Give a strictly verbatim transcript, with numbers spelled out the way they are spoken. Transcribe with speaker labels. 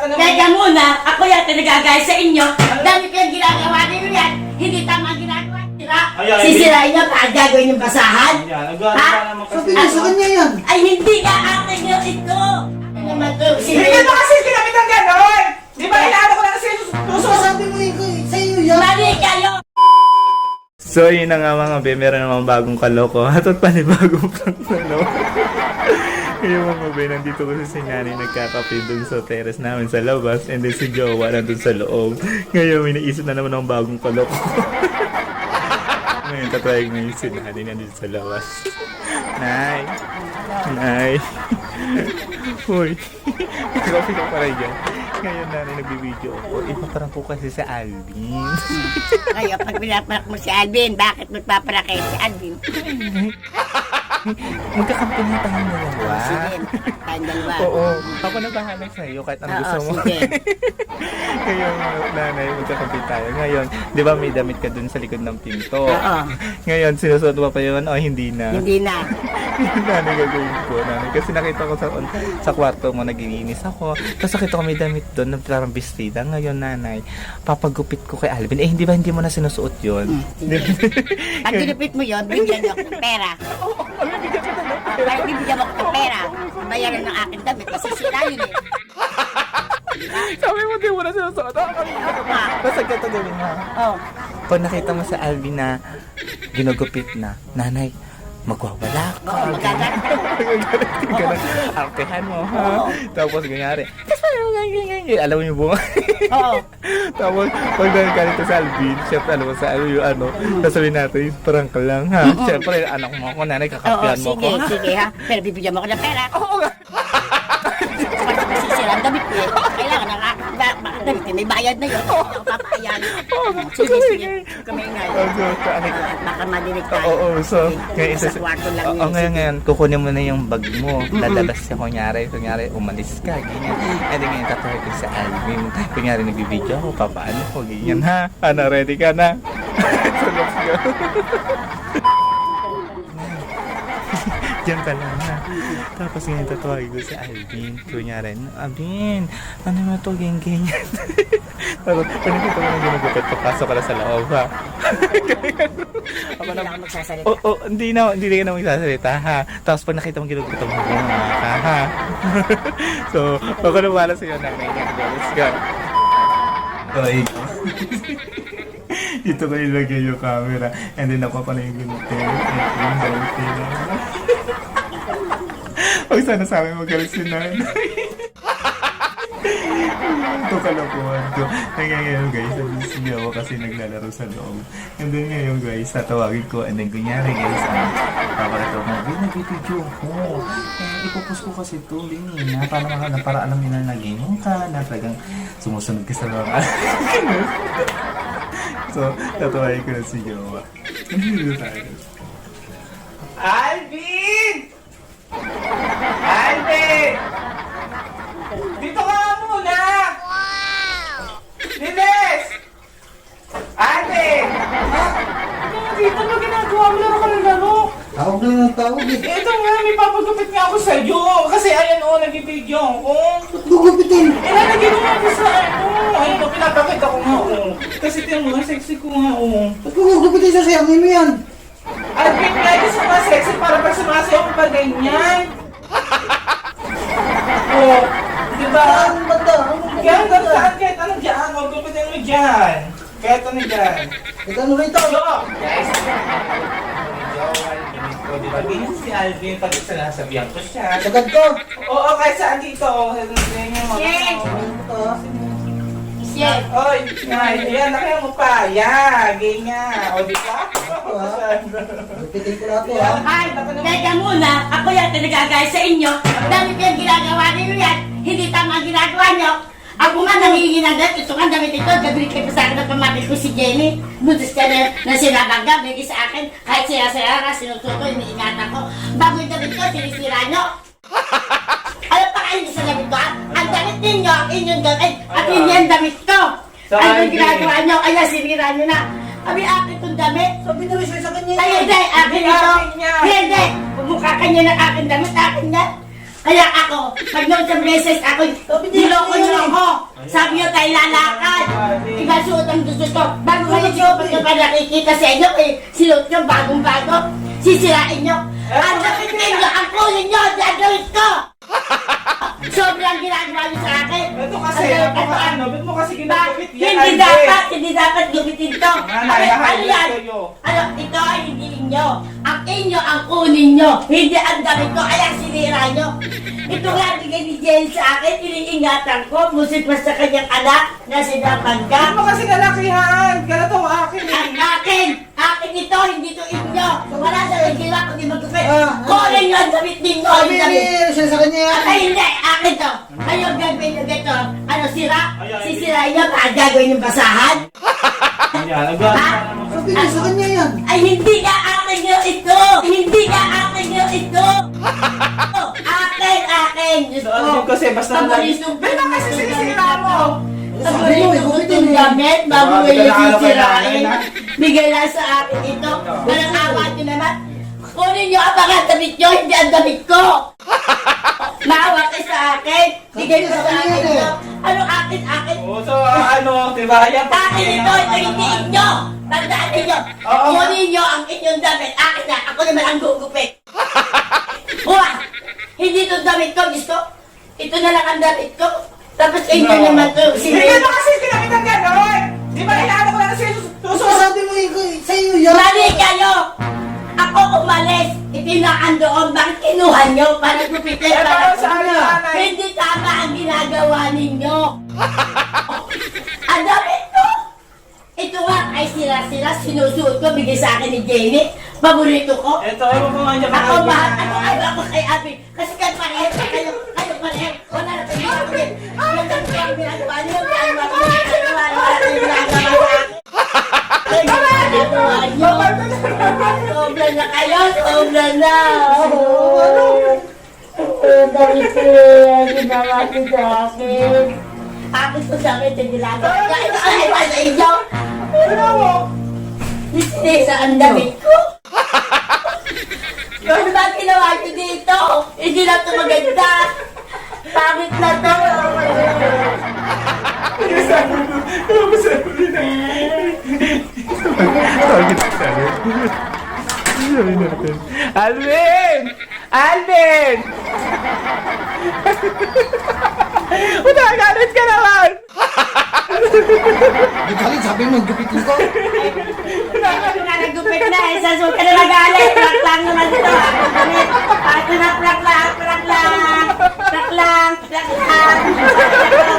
Speaker 1: naman.
Speaker 2: Teka muna, ako yata nagagaya sa inyo. Dami ko yung ginagawa niyo yan. Hindi tama ang ginagawa. Sira.
Speaker 1: Ayan,
Speaker 2: Sisirain niyo kahit gagawin yung basahan.
Speaker 1: Yan, nagano
Speaker 2: Ha?
Speaker 1: ka naman kasi.
Speaker 3: Sabi niya sa kanya yan.
Speaker 2: Ay, hindi nga akin yung ito. Ano naman to?
Speaker 1: Hindi
Speaker 2: Sira.
Speaker 1: ba kasi ginamit ng gano'n? Di ba inaano ko na kasi puso?
Speaker 3: Sabi mo ikaw, sa iyo yan.
Speaker 2: Mali kayo.
Speaker 4: So yun na nga mga be, meron namang bagong kaloko at at panibagong prank na no. Yung mga be, nandito ko si Sinani nagkakape dun sa terrace namin sa labas and then si Jowa nandun sa loob. Ngayon may naisip na naman ng bagong kaloko. Ngayon tatawag na yung Sinani nandito sa labas. Nay! Nay! Uy! Kapi ka pa rin dyan. Ngayon na nagbibideo ako. Ipaparang ko kasi sa Alvin.
Speaker 2: Ngayon, pag pinaparak mo si Alvin, bakit magpaparak kayo si Alvin?
Speaker 4: Magkakampi na tayong dalawa.
Speaker 2: Sige, tayong dalawa.
Speaker 4: Oo. Ako na bahala sa'yo kahit ano
Speaker 2: Oo,
Speaker 4: gusto mo.
Speaker 2: sige.
Speaker 4: Ngayon, nanay, magkakampi tayo. Ngayon, di ba may damit ka dun sa likod ng pinto?
Speaker 2: Oo.
Speaker 4: Ngayon, sinusuot mo pa yun o hindi na?
Speaker 2: Hindi na.
Speaker 4: Nanay, gagawin ko. Nanay, kasi nakita ko sa, sa kwarto mo, nagiinis ako. Tapos nakita ko may damit doon na parang bestida. Ngayon, nanay, papagupit ko kay Alvin. Eh, hindi ba hindi mo na sinusuot yun?
Speaker 2: Hindi. Pag ginupit mo yun, bigyan niyo ako ng pera. Ah, Kaya bibigyan mo ako ng pera. Bayaran ng akin damit kasi sira yun eh.
Speaker 4: Sabi mo, di mo na sinusuot.
Speaker 2: Ano pa?
Speaker 4: Basta ganito gawin mo.
Speaker 2: Oh.
Speaker 4: Pag nakita mo sa Alvin na ginugupit na, nanay, magwawala ka.
Speaker 2: Oo, magagalit ko.
Speaker 4: Ganun, artehan mo, ha? Tapos, ganyari. Alam mo yung bunga.
Speaker 2: Oo.
Speaker 4: Tapos, pag nagkalit ka sa Alvin, syempre, alam mo sa ano yung ano, sasabihin natin, parang ka lang, ha? Syempre, anak mo ako, nanay,
Speaker 2: Oo,
Speaker 4: kakapihan mo
Speaker 2: sige,
Speaker 4: ko.
Speaker 2: sige ha. Pero bibigyan mo ako ng pera.
Speaker 4: Oo nga.
Speaker 2: Pag masisira ang damit niya, kailangan ng aking ba- ba- damit niya. May bayad na yun. Hindi ako papahayan. Sige, sige. Huwag kami ingay.
Speaker 4: Oh, so, so, ano,
Speaker 2: Ah, Baka madinig tayo.
Speaker 4: Oo, oo, so, ngayon,
Speaker 2: Sa
Speaker 4: isa-
Speaker 2: kwarto lang
Speaker 4: Oo,
Speaker 2: yun.
Speaker 4: ngayon,
Speaker 2: Sige.
Speaker 4: ngayon, kukunin mo na yung bag mo. Lalabas siya, kunyari, kunyari, umalis ka, ganyan. And then, ngayon, tatawag ko sa Alvin. Kunyari, nagbibideo ako, papaano ko, ganyan, ha? Ano, ready ka na? So, let's go. Diyan ka lang, ha? Tapos ngayon, tatawagin ko sa Alvin. Kunyari, Alvin, ano mo to, ganyan, ganyan. Tapos, pag nakita mo na ginagupit, papasok ka na sa loob, ha? Ako
Speaker 2: Hindi
Speaker 4: na,
Speaker 2: lang ako magsasalita.
Speaker 4: oh, oh, hindi na, hindi na ka na magsasalita, ha? Tapos pag nakita mong ginugupit mo, bumama ka, ha? So, ako na wala sa'yo na may let's go. Okay. Dito ko ilagay yung camera. And then ako pala yung ginugupit. Ito yung dalating. Huwag sana sa amin magalit si nanay. Ito kalokohan ko. Ngayon guys, nabisig ako kasi naglalaro sa loob. And then ngayon guys, tatawagin ko. And then kunyari guys, ah, papalato mo, Bin, nag-video ko. Eh, ipupus ko kasi ito, Bin, na para, na, para alam nila na ganyan ka, na talagang sumusunod ka sa mga So, tatawagin ko na si Jowa. Nandito tayo.
Speaker 1: Alvin! Alvin! Dito ka muna! Lilis! Alvin! Ha? Dito mo ginagawa mo laro ka ng laro.
Speaker 3: Tawag lang ng tawag eh.
Speaker 1: Eh, ito nga, may papagupit nga ako sa'yo. Kasi ayan o, nag-video ako.
Speaker 3: Ba't gugupitin?
Speaker 1: Eh, nalagyan mo nga ako sa ano. Ayun o, pinapakita ko nga o. Kasi tiyan mo, sexy ko nga o.
Speaker 3: Ba't gugupitin sa sayamin mo yan?
Speaker 1: Alvin, lagi sa sexy para pag sumasayaw ko pa ganyan. Oh, di ba?
Speaker 3: Saan banda? Anong
Speaker 1: Kaya hanggang
Speaker 3: gugupitin?
Speaker 1: saan kahit ano dyan, huwag gupitin mo dyan. Kahit ano dyan.
Speaker 3: Ito ano rito?
Speaker 1: So, guys, di ba? Ganyan si Alvin pag sinasabihan ko siya.
Speaker 3: Sagad ko.
Speaker 1: Oo, kahit saan dito. Ganyan mo.
Speaker 2: Yes!
Speaker 3: Ito.
Speaker 2: Yes!
Speaker 1: Oy, yan, yan, nakaya mo pa. Yan, ganyan. O, di ba?
Speaker 3: Gugupitin ko lahat to ha.
Speaker 2: Ay, teka muna, ako yata nagagaya sa inyo. Dami ko yung ginagawa niyo yan. Hindi tama ang ginagawa niyo. Ako nga nangihingi ng damit. Ito nga damit ito. Gagawin kayo pa sa akin ng pamangkin ko si Jenny. Butas ka na, na sinabagab. Bigay sa akin. Kahit sira-sira na, sinusuto, iniingatan ko. Bago yung damit ko, sinisira niyo. Alam pa kayo sa damit ko, ah? Ang damit ninyo, ang inyong damit, at hindi ang damit ko.
Speaker 1: So,
Speaker 2: Ano yung
Speaker 1: Alvin.
Speaker 2: ginagawa niyo? Kaya sinira niyo na. Kami akin itong damit.
Speaker 3: Sabi na rin sa kanya.
Speaker 2: Ay, hindi, akin
Speaker 1: Hindi,
Speaker 2: ito.
Speaker 1: akin niya.
Speaker 2: Hindi, pumukha ka niya ng akin damit, akin yan. Kaya ako, pag noon sa beses ako, niloko niyo ako. Sabi niyo tayo lalakad. Ikasuot ang gusto ko. Bago kayo siyo, pag pa nakikita sa inyo, eh, sinuot niyo bagong-bago. Sisirain niyo. Ang damit ninyo, ang kunin niyo, gagawin ko. Sobrang ginagawa niyo sa akin.
Speaker 1: Ito kasi,
Speaker 2: Ang-
Speaker 1: ako ano, ba't mo kasi ginagupit yan?
Speaker 2: Hindi
Speaker 1: Alvin?
Speaker 2: dapat, hindi dapat gumitin to.
Speaker 1: Nanay,
Speaker 2: Ano, ano yan?
Speaker 1: sa'yo.
Speaker 2: Ano, ito ay hindi inyo. Ang inyo, ang kunin nyo. Hindi ang damit ko, kaya sinira nyo. Ito nga bigay ni Jen sa akin, iniingatan ko, musik pa sa kanyang anak na sinapan
Speaker 1: Ba't mo
Speaker 2: ka.
Speaker 1: kasi kalakihan? Ganito ang akin eh.
Speaker 2: Ang akin, akin ito, hindi to inyo. Wala sa nagila, kundi magkupit.
Speaker 3: Ah,
Speaker 2: Kunin nyo ang damit ninyo,
Speaker 3: Sabi
Speaker 2: ang damit.
Speaker 3: ni siya sa kanya yan.
Speaker 2: Ay, hindi, akin to. Kayo gagawin nyo dito. Ano, sira? Sisirain nyo, kaya gagawin yung basahan?
Speaker 1: Yan, nagawa
Speaker 2: Ha?
Speaker 1: na naman.
Speaker 3: Sabi niya sa kanya yan.
Speaker 2: Ay, hindi nga akin nyo ito! Hindi nga akin nyo ito! Akin, akin! Diyos
Speaker 1: So, ano yun kasi, basta na lang.
Speaker 2: Paboritong
Speaker 1: Ba't na kasi sinisira mo?
Speaker 3: Sabi mo,
Speaker 2: Paboritong
Speaker 3: ikutin
Speaker 2: itong
Speaker 3: eh.
Speaker 2: gamit, bago
Speaker 1: Grabe
Speaker 2: kayo
Speaker 1: ka na, ano,
Speaker 2: sisirain.
Speaker 1: kailangan na.
Speaker 2: Bigay lang sa akin ito. Walang awa nyo naman. Kunin nyo ang mga damit nyo, hindi ang damit ko! Maawa kayo sa akin! Bigay mo sa akin ito. Ano akin, akin?
Speaker 1: Oo, so ano, diba? Yan,
Speaker 2: Akin ito, ito hindi inyo! Tandaan ninyo!
Speaker 1: Oo.
Speaker 2: Kunin nyo ang inyong damit. Akin na, ako naman ang gugupit. Huwag! Hindi itong damit ko, gusto. Ito na lang ang damit ko. Tapos inyo
Speaker 1: No.
Speaker 2: naman to.
Speaker 1: Hindi mo kasi ginamit ng gano'n! Di ba kailangan ko lang sa
Speaker 3: So,
Speaker 1: susunod?
Speaker 3: sabi mo, ikaw- sa iyo yan.
Speaker 2: Mali kayo! Ako umalis. Itinaan doon. Bakit kinuha nyo? Para gupitin
Speaker 1: Eh, para sa
Speaker 2: inyo?
Speaker 1: nanay.
Speaker 2: Hindi tama ang ginagawa ninyo. Ang damit ko! Ito nga ay sila-sila. Sinusuot ko. Bigay sa akin ni Jamie. Paborito ko.
Speaker 1: Ito, ewan ko nga niya.
Speaker 2: Ako mahal, ako ay ako kay Abi. Kasi kayo pareho, kayo, kayo pareho. Wala na tayo ako din. Wala na tayo ginagawa niyo. Kaya mga ginagawa, wala na tayo ginagawa sa akin. Ay, ginagawa niyo. Sobra na kayo, sobra na. Dahil ko ginawa niyo sa akin. Akin ko sa akin yung ginagawa. Kaya ay pa sa inyo.
Speaker 1: Ano mo?
Speaker 2: Sinisa ang damit ko. Ano ba ginawa niyo dito? Hindi na ito maganda. Pangit na ito.
Speaker 4: Bakit sabi? Sabi natin. Alvin! Alvin! Utagalit ka naman!
Speaker 3: Di galit, sabi mo, gupitin ko.
Speaker 2: Ako na nagupit na eh. Sa suka na magalit. Prak lang naman ito. Ako na prak lang, prak lang. Prak lang, prak lang.